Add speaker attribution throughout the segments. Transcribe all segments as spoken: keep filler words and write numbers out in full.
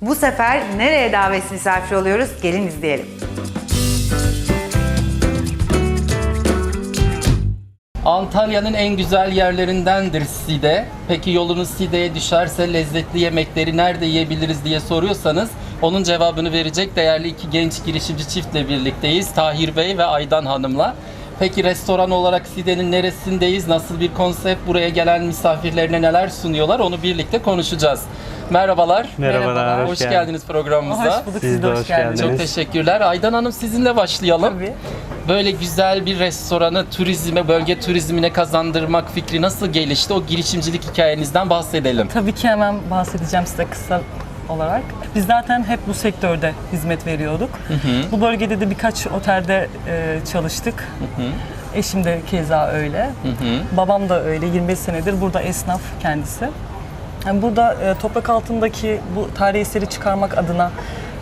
Speaker 1: Bu sefer nereye davet misafir oluyoruz? Gelin izleyelim.
Speaker 2: Antalya'nın en güzel yerlerindendir Side. Peki yolunuz Side'ye düşerse lezzetli yemekleri nerede yiyebiliriz diye soruyorsanız onun cevabını verecek değerli iki genç girişimci çiftle birlikteyiz. Tahir Bey ve Aydan Hanım'la. Peki restoran olarak Side'nin neresindeyiz? Nasıl bir konsept? Buraya gelen misafirlerine neler sunuyorlar? Onu birlikte konuşacağız. Merhabalar.
Speaker 3: Merhabalar,
Speaker 2: Hoş,
Speaker 3: hoş
Speaker 2: geldiniz,
Speaker 3: geldiniz
Speaker 2: programımıza.
Speaker 1: Hoş bulduk, siz de hoş geldiniz.
Speaker 2: Çok teşekkürler. Aydan Hanım sizinle başlayalım.
Speaker 1: Tabii.
Speaker 2: Böyle güzel bir restoranı turizme, bölge turizmine kazandırmak fikri nasıl gelişti? O girişimcilik hikayenizden bahsedelim.
Speaker 4: Tabii ki hemen bahsedeceğim size kısa olarak. Biz zaten hep bu sektörde hizmet veriyorduk.
Speaker 2: Hı hı.
Speaker 4: Bu bölgede de birkaç otelde e, çalıştık.
Speaker 2: Hı hı.
Speaker 4: Eşim de keza öyle.
Speaker 2: Hı hı.
Speaker 4: Babam da öyle. yirmi beş senedir burada esnaf kendisi. Yani burada e, toprak altındaki bu tarihi eseri çıkarmak adına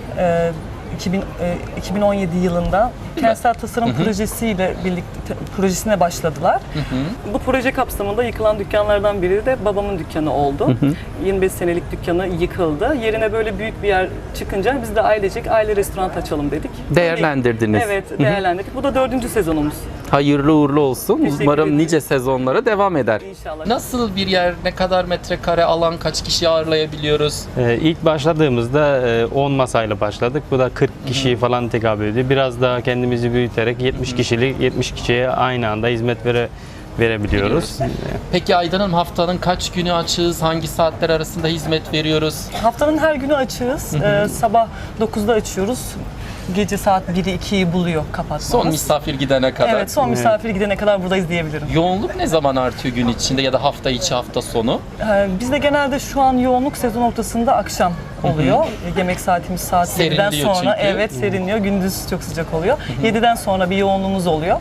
Speaker 4: e, iki bin, e, iki bin on yedi yılında kentsel tasarım projesiyle birlikte projesine başladılar.
Speaker 2: Hı hı.
Speaker 4: Bu proje kapsamında yıkılan dükkanlardan biri de babamın dükkanı oldu. Hı hı. yirmi beş senelik dükkanı yıkıldı. Yerine böyle büyük bir yer çıkınca biz de ailecek aile restoran açalım dedik.
Speaker 2: Değerlendirdiniz.
Speaker 4: Evet, değerlendirdik. Bu da dördüncü sezonumuz.
Speaker 2: Hayırlı uğurlu olsun.
Speaker 4: Teşekkür
Speaker 2: Umarım
Speaker 4: ederim.
Speaker 2: nice sezonlara devam eder.
Speaker 4: İnşallah.
Speaker 2: Nasıl bir yer, ne kadar metrekare alan, kaç kişi ağırlayabiliyoruz?
Speaker 3: Ee, ilk başladığımızda e, on masayla başladık. Bu da kırk kişiyi falan tekabül ediyor. Biraz daha kendimizi büyüterek yetmiş kişilik yetmiş kişiye aynı anda hizmet vere, verebiliyoruz.
Speaker 2: Peki Aydan Hanım haftanın kaç günü açığız? Hangi saatler arasında hizmet veriyoruz?
Speaker 4: Haftanın her günü açığız. Ee, sabah dokuzda açıyoruz. Gece saat biri ikiyi buluyor kapatmamız.
Speaker 2: Son misafir gidene kadar.
Speaker 4: Evet, son misafir gidene kadar buradayız diyebilirim.
Speaker 2: Yoğunluk ne zaman artıyor gün içinde ya da hafta içi, hafta sonu?
Speaker 4: Ee, bizde genelde şu an yoğunluk sezon ortasında akşam oluyor. Yemek saatimiz saat yediden
Speaker 2: Serinliyor
Speaker 4: sonra.
Speaker 2: çünkü.
Speaker 4: Evet, serinliyor. Gündüz çok sıcak oluyor. yediden sonra bir yoğunluğumuz oluyor.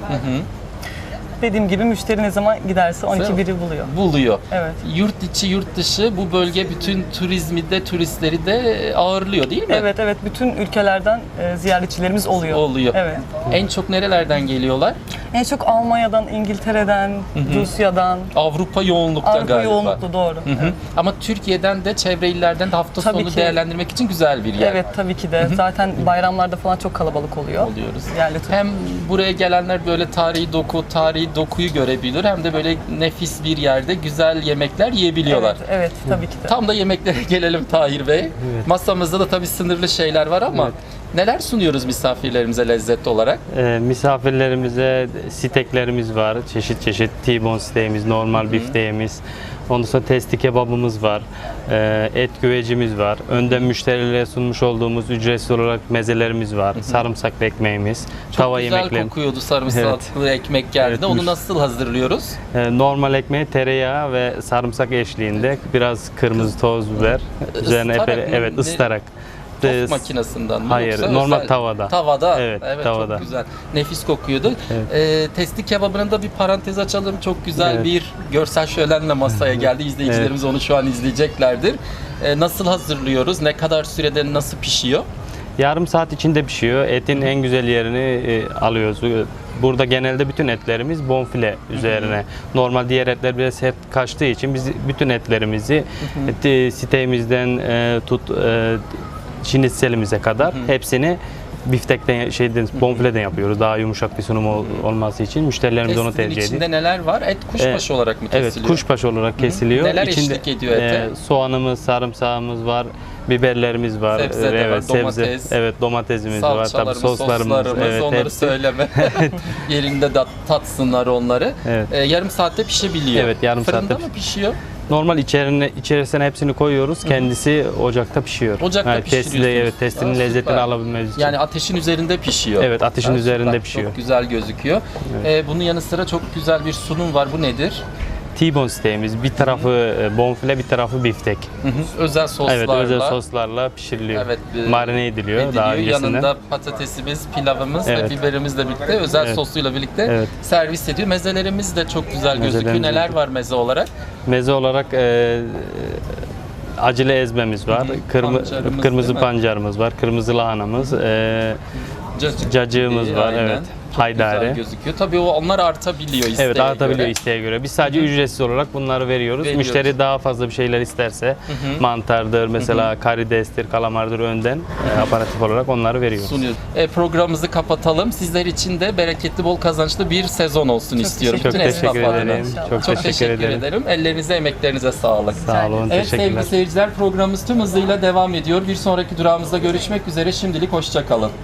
Speaker 4: Dediğim gibi müşteri ne zaman giderse on iki biri buluyor.
Speaker 2: Buluyor.
Speaker 4: Evet.
Speaker 2: Yurt içi, yurt dışı bu bölge bütün turizmi de, turistleri de ağırlıyor değil mi?
Speaker 4: Evet, evet. Bütün ülkelerden e, ziyaretçilerimiz oluyor.
Speaker 2: Oluyor.
Speaker 4: Evet.
Speaker 2: En çok nerelerden geliyorlar?
Speaker 4: En çok Almanya'dan, İngiltere'den, Rusya'dan,
Speaker 2: Avrupa yoğunlukta
Speaker 4: Avrupa
Speaker 2: galiba.
Speaker 4: yoğunluklu, doğru.
Speaker 2: Hı hı.
Speaker 4: Evet.
Speaker 2: Ama Türkiye'den de çevre illerden de hafta
Speaker 4: Tabii
Speaker 2: sonu
Speaker 4: ki.
Speaker 2: değerlendirmek için güzel bir yer.
Speaker 4: Evet, tabii ki de. Zaten bayramlarda falan çok kalabalık oluyor.
Speaker 2: Oluyoruz.
Speaker 4: Yerli tur-
Speaker 2: Hem buraya gelenler böyle tarihi doku, tarihi dokuyu görebilir hem de böyle nefis bir yerde güzel yemekler yiyebiliyorlar.
Speaker 4: Evet, evet, tabii ki de.
Speaker 2: Tam da yemeklere gelelim Tahir Bey. Masamızda da tabii sınırlı şeyler var ama
Speaker 3: Evet.
Speaker 2: neler sunuyoruz misafirlerimize lezzetli olarak?
Speaker 3: Ee, misafirlerimize steklerimiz var. Çeşit çeşit T-bone steğimiz, normal bifteğimiz. Ondan sonra testi kebabımız var. Ee, et güvecimiz var. Önden müşterilere sunmuş olduğumuz ücretsiz olarak mezelerimiz var. Sarımsaklı ekmeğimiz,
Speaker 2: Çok
Speaker 3: tava
Speaker 2: güzel
Speaker 3: yemekleri.
Speaker 2: kokuyordu sarımsaklı ekmek geldi.
Speaker 3: Evet,
Speaker 2: Onu
Speaker 3: müş-
Speaker 2: nasıl hazırlıyoruz?
Speaker 3: Ee, normal ekmeği tereyağı ve sarımsak eşliğinde biraz kırmızı toz biber. Üzerine
Speaker 2: Islarak
Speaker 3: epey-
Speaker 2: mı?
Speaker 3: evet
Speaker 2: Ne-
Speaker 3: ıslarak.
Speaker 2: Tost
Speaker 3: Ee,
Speaker 2: makinesinden mi?
Speaker 3: hayır,
Speaker 2: yoksa
Speaker 3: normal
Speaker 2: özel-
Speaker 3: tavada.
Speaker 2: Tavada.
Speaker 3: Evet, tavada.
Speaker 2: Çok güzel. Nefis kokuyordu.
Speaker 3: Evet.
Speaker 2: Ee, testi kebabının da bir parantez açalım. Çok güzel
Speaker 3: Evet.
Speaker 2: bir görsel şölenle masaya geldi. İzleyicilerimiz onu şu an izleyeceklerdir. Ee, nasıl hazırlıyoruz? Ne kadar sürede nasıl pişiyor?
Speaker 3: Yarım saat içinde pişiyor. Etin en güzel yerini e, alıyoruz. Burada genelde bütün etlerimiz bonfile üzerine. Normal diğer etler biraz hep kaçtığı için biz bütün etlerimizi et, siteğimizden e, tut e, şinitselimize kadar hepsini biftekten şeyden bonfileden yapıyoruz. Daha yumuşak bir sunum ol- olması için müşterilerimiz onu
Speaker 2: Testinin
Speaker 3: tercih ediyor.
Speaker 2: içinde neler var? Et kuşbaşı olarak mı
Speaker 3: Evet,
Speaker 2: kesiliyor?
Speaker 3: kuşbaşı olarak kesiliyor.
Speaker 2: Neler
Speaker 3: İçinde,
Speaker 2: eşlik ediyor ete?
Speaker 3: e, soğanımız, sarımsağımız var, biberlerimiz var.
Speaker 2: Sebze de
Speaker 3: evet,
Speaker 2: var, domates,
Speaker 3: evet, domatesimiz var, tabii
Speaker 2: salçalarımız,
Speaker 3: soslarımız,
Speaker 2: soslarımız,
Speaker 3: evet,
Speaker 2: onları
Speaker 3: hepsi.
Speaker 2: söyleme. Yerinde de tatsınlar onları.
Speaker 3: Evet.
Speaker 2: Ee, yarım saatte pişebiliyor.
Speaker 3: Evet, yarım
Speaker 2: Fırında
Speaker 3: saatte
Speaker 2: mı
Speaker 3: piş-
Speaker 2: pişiyor?
Speaker 3: Normal içerine, içerisine hepsini koyuyoruz. Kendisi ocakta pişiyor.
Speaker 2: Ocakta
Speaker 3: Yani testi de-
Speaker 2: pişiriyorsunuz.
Speaker 3: Evet, testinin
Speaker 2: Aa,
Speaker 3: lezzetini
Speaker 2: süper.
Speaker 3: alabilmemiz için.
Speaker 2: Yani ateşin üzerinde pişiyor.
Speaker 3: Evet, ateşin üzerinde
Speaker 2: süper.
Speaker 3: pişiyor.
Speaker 2: Çok güzel gözüküyor. Ee, bunun yanı sıra çok güzel bir sunum var. Bu nedir?
Speaker 3: T-bone steğimiz. Bir tarafı e, bonfile, bir tarafı biftek.
Speaker 2: Hı hı. Özel soslarla.
Speaker 3: Evet, özel soslarla pişiriliyor.
Speaker 2: Evet, e,
Speaker 3: Marine ediliyor, daha
Speaker 2: ediliyor.
Speaker 3: öncesinden.
Speaker 2: Yanında patatesimiz, pilavımız
Speaker 3: Evet.
Speaker 2: ve biberimizle birlikte özel
Speaker 3: Evet.
Speaker 2: sosuyla birlikte
Speaker 3: Evet.
Speaker 2: servis ediyor. Mezelerimiz de çok güzel gözüküyor.
Speaker 3: Mezelerimiz
Speaker 2: Neler
Speaker 3: de-
Speaker 2: var meze olarak?
Speaker 3: Meze olarak e, acılı ezmemiz var. Kırmı,
Speaker 2: Pancarımız
Speaker 3: kırmızı
Speaker 2: değil mi?
Speaker 3: pancarımız var. Kırmızı lahanamız. E,
Speaker 2: Cacık
Speaker 3: cacığımız
Speaker 2: gibi,
Speaker 3: var.
Speaker 2: aynen.
Speaker 3: Evet. haydari.
Speaker 2: Güzel gözüküyor. Tabii o onlar artabiliyor isteğe
Speaker 3: Evet, artabiliyor
Speaker 2: göre.
Speaker 3: isteğe göre. Biz sadece ücretsiz olarak bunları veriyoruz.
Speaker 2: Veriyoruz.
Speaker 3: Müşteri daha fazla bir şeyler isterse mantardır, mesela karidestir, kalamardır önden e, aparatif olarak onları veriyoruz.
Speaker 2: Sunuyoruz. E, programımızı kapatalım. Sizler için de bereketli, bol kazançlı bir sezon olsun istiyorum.
Speaker 3: Çok
Speaker 2: Bütün esnaf
Speaker 3: teşekkür
Speaker 2: adına.
Speaker 3: ederim. Çok,
Speaker 2: Çok
Speaker 3: teşekkür, ederim.
Speaker 2: Ellerinize, emeklerinize sağlık.
Speaker 3: Sağ olun,
Speaker 2: Evet sevgili
Speaker 3: teşekkürler.
Speaker 2: seyirciler, programımız tüm hızıyla devam ediyor. Bir sonraki durağımızda görüşmek üzere. Şimdilik hoşça kalın.